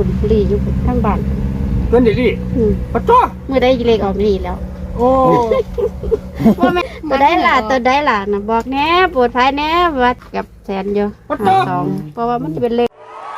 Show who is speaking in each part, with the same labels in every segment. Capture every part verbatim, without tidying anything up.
Speaker 1: คุณลีอยู่ทั้งบ้าน
Speaker 2: เพื่อนดิลี่ปะจ้อ
Speaker 1: เมื่อได้เลขออกลีแล้ว
Speaker 2: โอ้
Speaker 1: ว่าแม่ตัวได้ล่ะตัวได้ล่ะนะบอกแน่ปวดภายแน่วัดกับแสนอยู่หาสองเพราะว่ามันจะเป็นเลข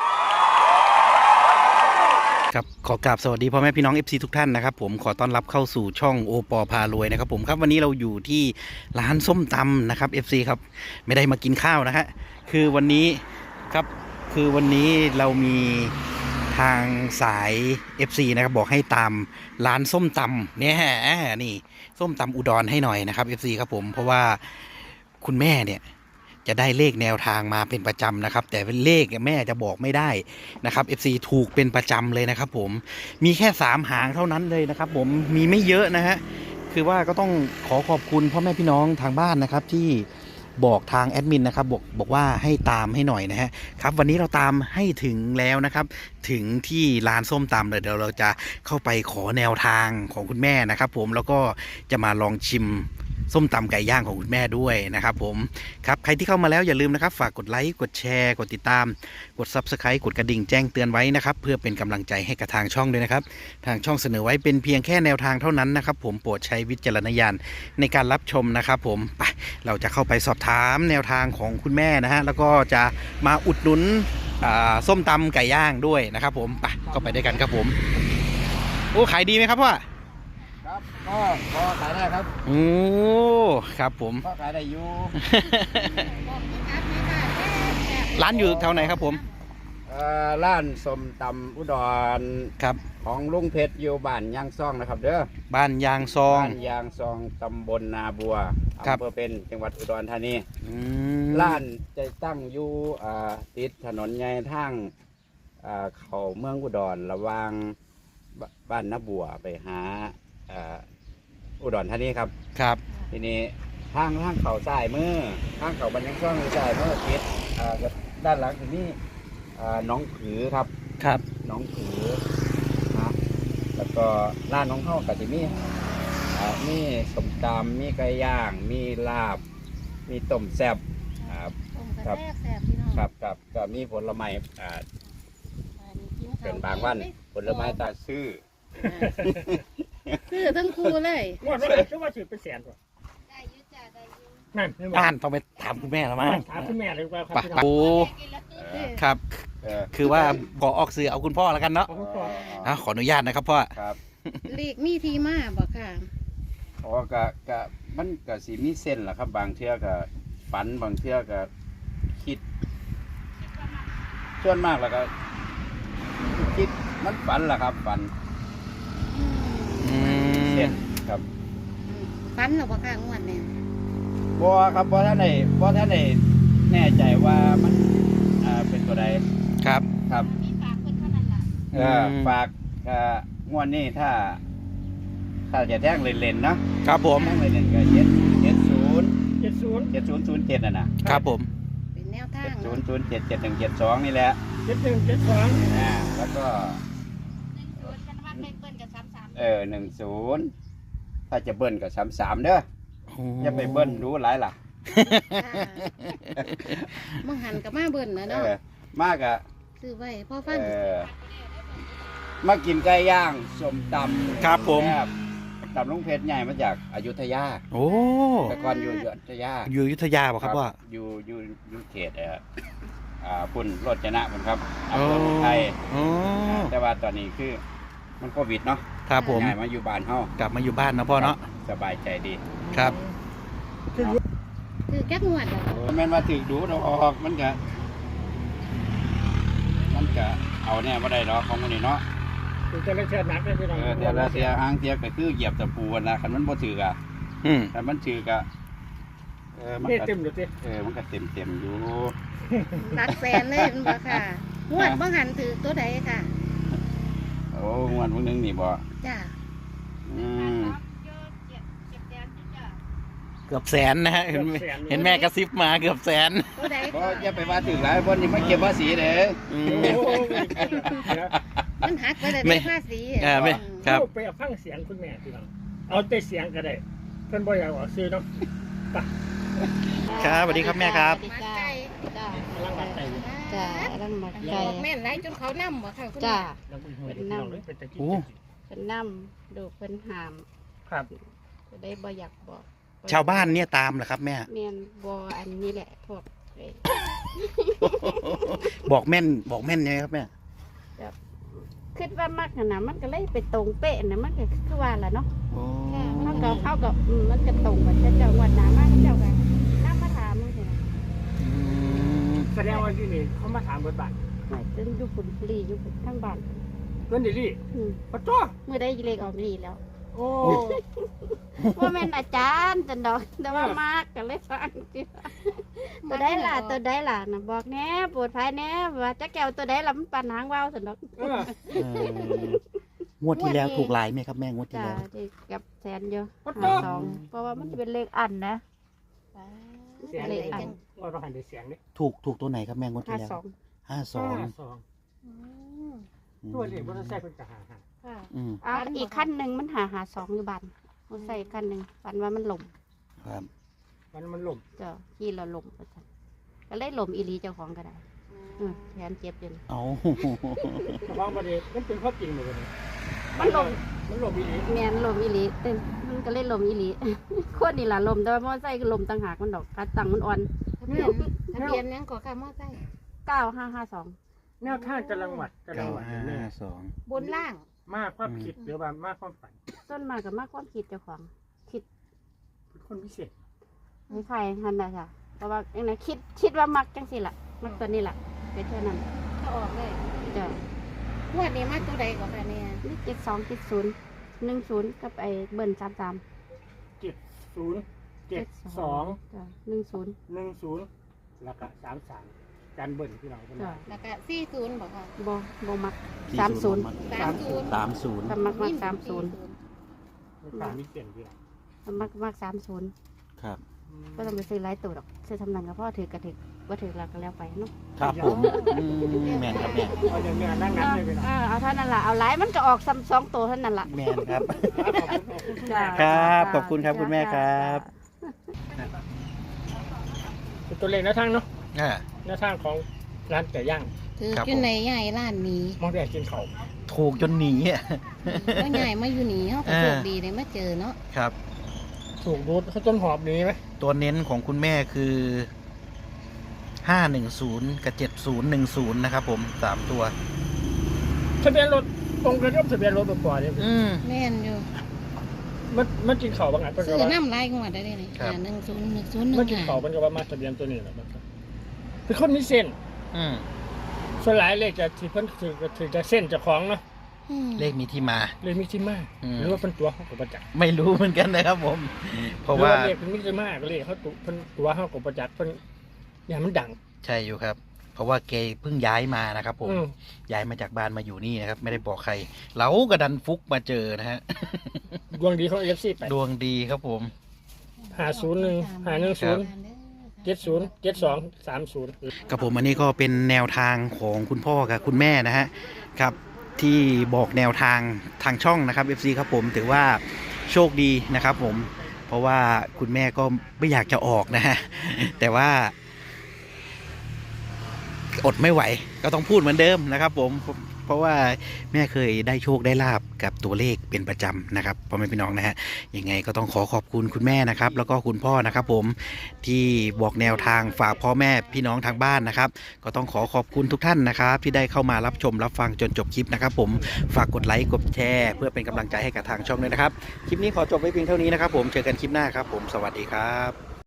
Speaker 3: ครับขอกราบสวัสดีพ่อแม่พี่น้อง เอฟ ซี ทุกท่านนะครับผมขอต้อนรับเข้าสู่ช่องโอปอพารวยนะครับผมครับวันนี้เราอยู่ที่ร้านส้มตำนะครับ เอฟ ซี ครับไม่ได้มากินข้าวนะฮะคือวันนี้ครับคือวันนี้เรามีทางสาย เอฟ ซี นะครับบอกให้ตามร้านส้มตำเนี่ยนี่ส้มตำอุดรให้หน่อยนะครับ เอฟ ซี ครับผมเพราะว่าคุณแม่เนี่ยจะได้เลขแนวทางมาเป็นประจำนะครับแต่เป็นเลขแม่จะบอกไม่ได้นะครับ เอฟ ซี ถูกเป็นประจำเลยนะครับผมมีแค่สามหางเท่านั้นเลยนะครับผมมีไม่เยอะนะฮะคือว่าก็ต้องขอขอบคุณพ่อแม่พี่น้องทางบ้านนะครับที่บอกทางแอดมินนะครับบอกบอกว่าให้ตามให้หน่อยนะฮะครับวันนี้เราตามให้ถึงแล้วนะครับถึงที่ร้านส้มตำเลยเดี๋ยวเราจะเข้าไปขอแนวทางของคุณแม่นะครับผมแล้วก็จะมาลองชิมส้มตำไก่ย่างของคุณแม่ด้วยนะครับผมครับใครที่เข้ามาแล้วอย่าลืมนะครับฝากกดไลค์กดแชร์กดติดตามกด ซับสไครบ์ กดกระดิ่งแจ้งเตือนไว้นะครับเพื่อเป็นกำลังใจให้กับทางช่องด้วยนะครับทางช่องเสนอไว้เป็นเพียงแค่แนวทางเท่านั้นนะครับผมโปรดใช้วิจารณญาณในการรับชมนะครับผมไปเราจะเข้าไปสอบถามแนวทางของคุณแม่นะฮะแล้วก็จะมาอุดหนุนส้มตำไก่ย่างด้วยนะครับผมไปก็ไปด้วยกันครับผมโอ้ขายดีไหมครับพ่อ
Speaker 2: ครับก็พอขายได้ครับ
Speaker 3: โอ้ครับผม
Speaker 2: ก็ขายได้อยู่
Speaker 3: ร้านอยู่แถวไหนครับผม
Speaker 2: ร้านส้มตำอุดร
Speaker 3: ครับ
Speaker 2: ของลุงเพชรอยู่บ้านยางซองนะครับเด้อ
Speaker 3: บ้านยางซอง
Speaker 2: บ้านยางซองตำบลนาบัวอำเภอเป็นจังหวัดอุดรธานีร้านจะตั้งอยู่ติดถนนใหญ่ทางเขาเมืองอุดรระหว่างบ้านนาบัวไปหาอุดรธานีครับ
Speaker 3: ครับ
Speaker 2: ทีนี้ทางทางเขาสายมือทางเขาบรรยังช่องสายมือติดด้านหลังทีนี้น้องผือครับ
Speaker 3: ครับ
Speaker 2: น้องผือนะแล้วก็ร้านน้องเข้ากับที่นี่มีสมตำมีไก่ย่างมีลาบมีต้มแซ่บครับครับครับก็มีผลไม้เป็นบางวันผลไม้ตาซื้อ
Speaker 1: ซื้อทั้งคู่เลย
Speaker 2: ว่าว่าว่าถือเป็นแสนกว่า
Speaker 1: ได้ยุ่จ้าได้ยุ่
Speaker 3: นั่นอ่านต้องไปถามคุณแม่แล้วมั้ง
Speaker 2: ถามคุณแม่เลยว่า
Speaker 3: ครับโอ้ครับคือว่าบอกออกสื่อเอาคุณพ่อแล้วกันเนาะขออนุญาตนะครับพ่อ
Speaker 2: ครับ
Speaker 1: เลขมีที่มาบอกค่ะ
Speaker 2: อ๋อกะกะมันกะสีมีเส้นแหละครับบางเทื่อกะฝันบางเทื่อกะคิดส่วนมากแล้วก็คิดมันฝันแหละครับฝันเส้นครับ
Speaker 1: ฝันหรอบอกค่ะงวดเนี่ย
Speaker 2: บ่ครับบ่ท่านไหนบ่ท่านไหนแน่ใจว่ามันอ่าเป็นตัวใด
Speaker 3: ครับ
Speaker 2: ครับ
Speaker 1: มีฝากคนเท่านั้นล่ะ
Speaker 2: เออฝากอ่างวดนี้ถ้าถ้าจะแท่งเล่นๆเนาะ
Speaker 3: ครับผม
Speaker 2: แท่งเล่นๆก็เจ็ดเจ็ดศูนย์เจ็ดศูนย์เจ็ดศูนย์ศูนย์เจ็ดน่ะนะครับ
Speaker 3: ผม
Speaker 1: เป็นแนวทาง
Speaker 2: เจ็ดศูนย์ศูนย์เจ็ดเจ็ดหนึ่งเจ็ดสองนี่แหละเจ็ดหนึ่งเจ็ดสองอ่าแล้วก็เออหนึ่งศูนย์ถ้าจะเบิ้ลก็สามสามเด้ออย่าไปเบิ้ลรู้หลายล่ะ
Speaker 1: มึงหันกับมาเบิ้ลนะเนาะ
Speaker 2: มากอะ
Speaker 1: ซื้อไว้พ่อฟัน
Speaker 2: มากินไก่ย่างส้มตำ
Speaker 3: ครับผม
Speaker 2: ตำลุงเพชรใหญ่มาจากอยุธยา
Speaker 3: โอ้
Speaker 2: แต่ก่อนอยู่อยุธยา
Speaker 3: อยู่อยุธยาป่ะครับว่า
Speaker 2: อยู่อยู่อยู่เขตอ่าปุ่นโรจนะผมครับอำเภอไทยแต่ว่าตอนนี้คือมันโควิดเนาะ
Speaker 3: ครับผม
Speaker 2: ย้ายมาอยู่บ้านเฮาก
Speaker 3: ลับมาอยู่บ้านนะพ่อเนาะ
Speaker 2: สบายใจดี
Speaker 3: ครับ
Speaker 1: คือแก๊กงวดเหรอ
Speaker 2: แม่นมาถึงดูเราออกมันก็มันก็เอาเนี่ยไม่ได้หรอกของมันนี่เนาะ
Speaker 4: ถึงจะเล่นเชือกนักได้พี่น้อง
Speaker 2: เออแต่ละเสียหางเสียก็คือเหยียบตะปูนะคันมันบ่ถือกะ
Speaker 3: อืม
Speaker 2: แต่มันถือกะ
Speaker 4: เออมันเต็มอยู่สิ
Speaker 2: เออมันก็เต็มเต็มอยู่
Speaker 1: หลักแสนเลยมันบ่ค่ะงวดบ่หันถือตัวใดค่ะ
Speaker 2: โอ้งวดพวกนึงนี่บ่
Speaker 1: จ้า
Speaker 2: อืม
Speaker 3: เกือบแสนนะฮะเห็นเห็นแม่กระซิบมาเกือบแสน
Speaker 2: ก็อย่าไปว่าถึงหลายคนนี่มาเก็บภาษีเด้อ
Speaker 1: มันหักไปเลยภาษี
Speaker 3: อ่าไม่ครับ
Speaker 4: ไปเอาฟังเสียงคุณแม่พี่น้องเอาแต่เสียงก็ได้เพิ่นบ่อยากออกซื้อเนาะ
Speaker 3: ครับสวัสดีครับแม่ครับ
Speaker 1: จ้าจ้าลังหมักไก่
Speaker 5: บอกแม่นไรจนเขานำบ่ค่ะคุณ
Speaker 1: จ้า
Speaker 4: แล้วก็หัวพี่น้องเลยเป็นตะกี้
Speaker 3: โอ้
Speaker 1: เพิ่นนำดูเพิ่นหาม
Speaker 4: ครับ
Speaker 1: จะได้บ่อยากบอก
Speaker 3: ชาวบ้านเนี่ยตามเหรอครับแม่
Speaker 1: แม่นบ่อันนี้แหละพวกเอ้ย
Speaker 3: บอกแม่นบอกแม่นไงครับแม่
Speaker 1: คิดว่ามักน่ะนะมันก็เลยไปตรงเป๊ะนะมันก็คือว่าล่ะเนาะ
Speaker 3: โอ้
Speaker 1: เฮาก็เฮาก็อืมมันก็ตรงกับเจ้าวัดหน้ามาเจ้าก็นำมาถามมึงซี่นะ
Speaker 3: อืม
Speaker 4: แสดงว่าที่นี่เขามาถามบทบาท
Speaker 1: ไม่จนอยู่ฝุ่นฟรีอยู่ฝุ่นทั้งบ้าน
Speaker 4: เพื่อนดิลี่
Speaker 1: อืม
Speaker 4: ปะจ้อ
Speaker 1: เมื่อได้เลขออกดีแล้ว
Speaker 4: โอ้
Speaker 1: ว่าแม่นอาจารย์จันดอกแต่ว่ามากก็เลยฟังจิตัวได้ล่ะตัวได้ล่ะนะบอกแหน่ปวดภายแหน่ว่าจะแก้วตัวได้ล่ะมันปันหางว่าวสันดอก
Speaker 4: เออ
Speaker 3: เอองวดที่แล้วถูกหลายไหมครับแม่งวดที่
Speaker 1: จ้า
Speaker 3: แล้ว
Speaker 1: ที่กับแสนเดียว
Speaker 4: ปะ
Speaker 1: หา
Speaker 4: จ้อ
Speaker 1: สองเพราะว่ามันจะเป็นเลขอันนะ
Speaker 4: เสียง
Speaker 1: เล
Speaker 4: เลย
Speaker 1: ขอัน
Speaker 4: เราต้องหันไปเสียงดิ
Speaker 3: ถูกถูกตัวไหนครับแม่งวด
Speaker 1: ห้า
Speaker 3: ที่แล้ว
Speaker 1: สอง
Speaker 3: ห้าสอง
Speaker 4: สองตัวเลขมอเตอร์ไซค์เป็นจะหาหา
Speaker 5: ค่ะ
Speaker 3: อืม
Speaker 1: อ้าวอีกขั้นหนึ่งมันหาหาสองอยู่บันมันใส่ขั้นหนึ่งฝันว่ามันหล่ม
Speaker 3: ครับ
Speaker 4: มันมันหล่ม
Speaker 1: เจ้าที่เราหล่มประจันก็เลยหล่มอีหลีเจ้าของก็ได้อืมแขนเจ็บจน
Speaker 3: เอา
Speaker 4: แต่ว่าประเด็นมันเป็นข้อจริงเลย
Speaker 1: มันหล่ม
Speaker 4: มันหล่มอีก
Speaker 1: แมนลมอีหลีเต้นมันก็เลยลมอีหลี โคตรนี่ล่ะลมแต่ว่ามอไซค์ก็ลมต่างหากมันดอกกระตังมันอ่อน
Speaker 5: ทะเบียนทะเบียนยังก่อค่ะมอไซค์
Speaker 1: เก้าห้าห้าสอง
Speaker 4: แนวทางจะรังหวัดจะรั
Speaker 3: เก้าง
Speaker 4: หวัด
Speaker 3: ห้า
Speaker 4: เนี่ย
Speaker 3: สอง
Speaker 5: บนล่าง
Speaker 4: มากความคิดหรือว่ามากความฝัน
Speaker 1: ต้นมากับมากความคิดเจ้าของคิด
Speaker 4: เป็นคนพิเศษ
Speaker 1: ให้ใครทันได้ค่ะเพราะว่าอย่างนั้นคิดคิดว่ามักจังสิล่ะมักตัวนี้ล่ะเป็นเท่านั้น
Speaker 5: ก็ออกเลย
Speaker 1: จ้ะ
Speaker 5: งวดนี้มาตัวใดก่อนค่ะเนี่ย
Speaker 1: นี่เจ็ดสองเจ็ดศูนย์หนึ่งศูนย์กับไอ้เบิ้ลสามสาม
Speaker 4: เจ็ดศูนย์เจ็ดสอง
Speaker 1: จ้ะหนึ่งศูนย์
Speaker 4: หนึ่งศูนย์แล้วก็สามสามจันเบิ้ลที่เราคน
Speaker 1: จ้ะ
Speaker 4: นั้น
Speaker 5: แล้วก็สี่ศูนย์บอกค่ะ
Speaker 1: บ่บ่มักสามศูนย์
Speaker 5: สามศูนย์
Speaker 3: สามศูนย์
Speaker 1: สมักมักสามศูนย์
Speaker 4: สามมีเปลี่ยนที่เรา
Speaker 1: สมักมักสามศูนย์
Speaker 3: ครับ
Speaker 1: ก็ต้องไปซื้อหลายตัวดอกซื้อทำนันกับพ่อถือกระถือว่าถือแล้วก็แล้วไปเนาะ
Speaker 3: ครับผมอืมแม่นครับแม่น
Speaker 4: เอาอย่างนี้นั่งนั่งเลยไปนะ
Speaker 1: เออเอาเท่านั้นล่ะเอาหลายมันก็ออกซ้ำสองตัวเท่านั้นล่ะ
Speaker 3: แม่นครับ
Speaker 4: ขอบคุณขอบคุณ
Speaker 1: จ้ะ
Speaker 3: ครับขอบคุณครับคุณแม่ครับ
Speaker 4: เป็นตัวเลขแนวทางเนาะ
Speaker 3: อ่า
Speaker 4: แนวทางของร้านไก่ย่าง
Speaker 5: ถือ
Speaker 3: ครับ
Speaker 5: อยู่ในใหญ่ร้านนี้
Speaker 4: มองแต่กินเขาว
Speaker 3: ถูกจนหนีอ่ะ
Speaker 5: ก็ใหญ่มาอยู่นี่เขาก็
Speaker 3: อ่า
Speaker 5: โชคดีเลยมาเจอเนาะ
Speaker 3: ครับ
Speaker 4: ถูกรูดเขาต้นหอบนี้ไหม
Speaker 3: ตัวเน้นของคุณแม่คือห้าหนึ่งศูนย์กับเจ็ดศูนย์หนึ่งศูนย์นะครับผมสามตัว
Speaker 4: ทะเบียนรถตรงกันกับทะเบียนรถตัวก่อนเนี่ย
Speaker 3: อืม
Speaker 5: แม่นอยู่
Speaker 4: มันมันกินเขาวบางอันเป็น
Speaker 5: ซื้
Speaker 4: กับ
Speaker 5: อ
Speaker 4: ว่า
Speaker 5: น้ำลายงวดได้เลยนี่
Speaker 3: ครับ
Speaker 5: หนึ่งศูนย์หนึ่งศูนย์หนึ่
Speaker 4: มัน
Speaker 5: ง
Speaker 4: กิน
Speaker 5: ห้า
Speaker 4: เขาวเป็นกับว่ามาทะเบียนตัวนี้แหละมันก็เป็นคนมีเส้น
Speaker 3: อืม
Speaker 4: ส่วนหลายเลขจะที่เพิ่นถือถือจะเส้นเจะคล้าของเนาะ
Speaker 5: อืม
Speaker 3: เลขมีที่มา
Speaker 4: เลยมีที่มา
Speaker 3: อืม
Speaker 4: หรือว่าเป็นตัวเขากับประจักษ์
Speaker 3: ไม่รู้เหมือนกันนะครับผม เพราะ
Speaker 4: หรือ
Speaker 3: ว่า
Speaker 4: ว่าเลขเป็นมีที่มาก็เลยเขาตัวเพิ่นตัวเขากับประจักษ์เพิ่นอย่างมันดัง
Speaker 3: ใช่อยู่ครับ เพราะว่าแกเพิ่งย้ายมานะครับผม
Speaker 4: อืม
Speaker 3: ย้ายมาจากบ้านมาอยู่นี่นะครับ ไม่ได้บอกใคร เราก็ดันฟุกมาเจอนะฮะ
Speaker 4: ดวงดีของเอฟซีไป
Speaker 3: ดวงดีครับผม
Speaker 4: หาศูนย์หนึ่งหาหนึ่งศูนย์เจ็ดศูนย์เจ็ดสองสามศูนย์
Speaker 3: กับผมอันนี้ก็เป็นแนวทางของคุณพ่อกับคุณแม่นะฮะครับที่บอกแนวทางทางช่องนะครับ เอฟ ซี ครับผมถือว่าโชคดีนะครับผมเพราะว่าคุณแม่ก็ไม่อยากจะออกนะฮะแต่ว่า อดไม่ไหวก็ต้องพูดเหมือนเดิมนะครับผมเพราะว่าแม่เคยได้โชคได้ลาบกับตัวเลขเป็นประจำนะครับพ่อแม่พี่น้องนะฮะยังไงก็ต้องขอขอบคุณคุณแม่นะครับ แล้วก็คุณพ่อนะครับผมที่บอกแนวทางฝากพ่อแม่พี่น้องทางบ้านนะครับ ก็ต้องขอขอบคุณทุกท่านนะครับ ที่ได้เข้ามารับชมรับฟังจนจบคลิปนะครับ ผมฝากกดไลค์กดแชร์เพื่อเป็นกำลังใจให้กับทางช่องด้วยนะครับคลิปนี้ขอจบไว้เพียงเท่านี้นะครับ ผมเจอกันคลิปหน้าครับผมสวัสดีครับ